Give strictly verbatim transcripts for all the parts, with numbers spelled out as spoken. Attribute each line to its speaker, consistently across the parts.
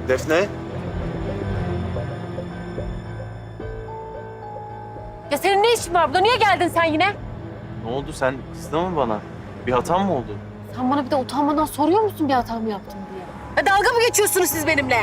Speaker 1: Defne?
Speaker 2: Ya senin ne işin var burada? Niye geldin sen yine?
Speaker 1: Ne oldu, sen kızdın mı bana? Bir hatam mı oldu?
Speaker 2: Sen bana bir de utanmadan soruyor musun bir hata mı yaptım diye? Ya dalga mı geçiyorsunuz siz benimle?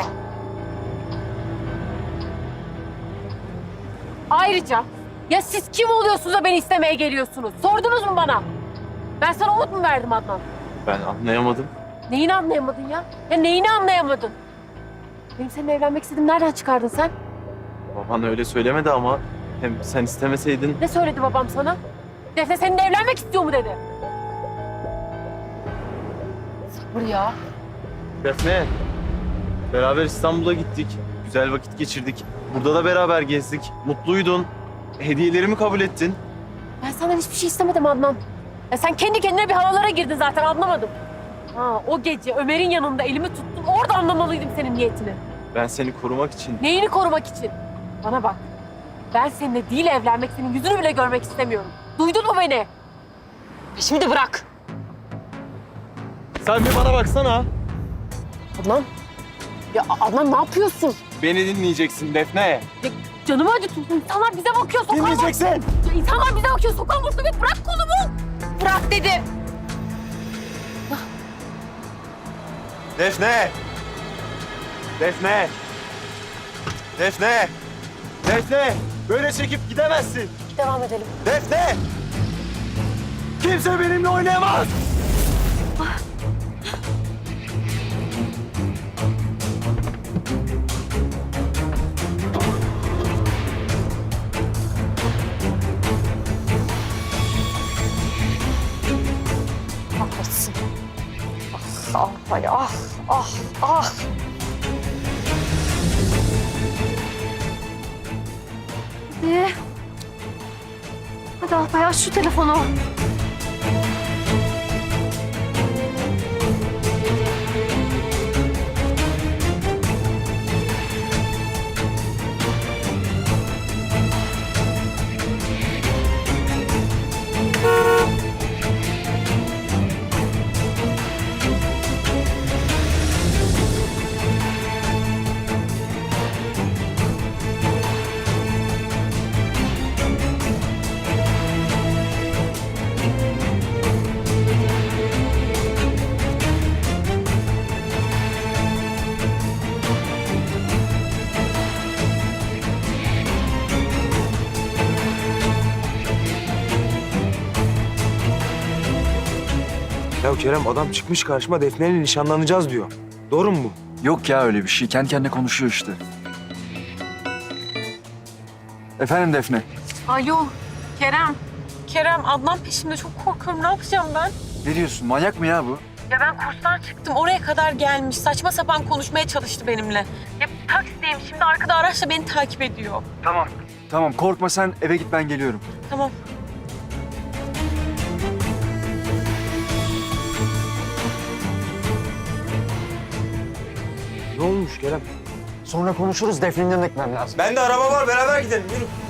Speaker 2: Ayrıca ya siz kim oluyorsunuz da beni istemeye geliyorsunuz? Sordunuz mu bana? Ben sana umut mu verdim Adnan?
Speaker 1: Ben anlayamadım.
Speaker 2: Neyini anlayamadın ya? Ya neyini anlayamadın? Benim seninle evlenmek istediğimi nereden çıkardın sen?
Speaker 1: Baban öyle söylemedi ama hem sen istemeseydin...
Speaker 2: Ne söyledi babam sana? Defne seninle evlenmek istiyor mu dedi? Sabır ya.
Speaker 1: Defne, beraber İstanbul'a gittik. Güzel vakit geçirdik. Burada da beraber gezdik. Mutluydun. Hediyelerimi kabul ettin.
Speaker 2: Ben senden hiçbir şey istemedim Adnan. Ya sen kendi kendine bir havalara girdin zaten anlamadım. Ha, o gece Ömer'in yanında elimi tuttun. Orada anlamalıydım senin niyetini.
Speaker 1: Ben seni korumak için...
Speaker 2: Neyini korumak için? Bana bak. Ben seninle değil evlenmek, senin yüzünü bile görmek istemiyorum. Duydun mu beni? Şimdi bırak.
Speaker 1: Sen bir bana baksana.
Speaker 2: Adnan. Ya Adnan ne yapıyorsun?
Speaker 1: Beni dinleyeceksin Defne.
Speaker 2: Ya, canımı acıtıyorsun. İnsanlar bize bakıyor. Sokağa bak.
Speaker 1: Dinleyeceksin.
Speaker 2: Ya, İnsanlar bize bakıyor. Sokağa vursun ve bırak kolumu. Bırak dedim.
Speaker 1: Defne! Defne! Defne! Defne! Böyle çekip gidemezsin.
Speaker 2: Devam edelim.
Speaker 1: Defne! Kimse benimle oynayamaz!
Speaker 2: Kahretsin. Ah, ah, ah, ah, ah. Hadi. Hadi Alpay aç şu telefonu.
Speaker 3: Ya Kerem adam çıkmış karşıma Defne'yle nişanlanacağız diyor. Doğru mu bu?
Speaker 4: Yok ya öyle bir şey. Kendi kendine konuşuyor işte. Efendim Defne.
Speaker 2: Alo Kerem. Kerem Adnan peşimde çok korkuyorum. Ne yapacağım ben?
Speaker 4: Ne diyorsun? Manyak mı ya bu?
Speaker 2: Ya ben kurstan çıktım. Oraya kadar gelmiş. Saçma sapan konuşmaya çalıştı benimle. Ya taksideyim. Şimdi arkada araçla beni takip ediyor.
Speaker 4: Tamam. Tamam korkma sen eve git ben geliyorum.
Speaker 2: Tamam.
Speaker 3: Ne olmuş Kerem?
Speaker 4: Sonra konuşuruz. Defne'nin yanına gitmem lazım.
Speaker 3: Bende araba var beraber gidelim yürü.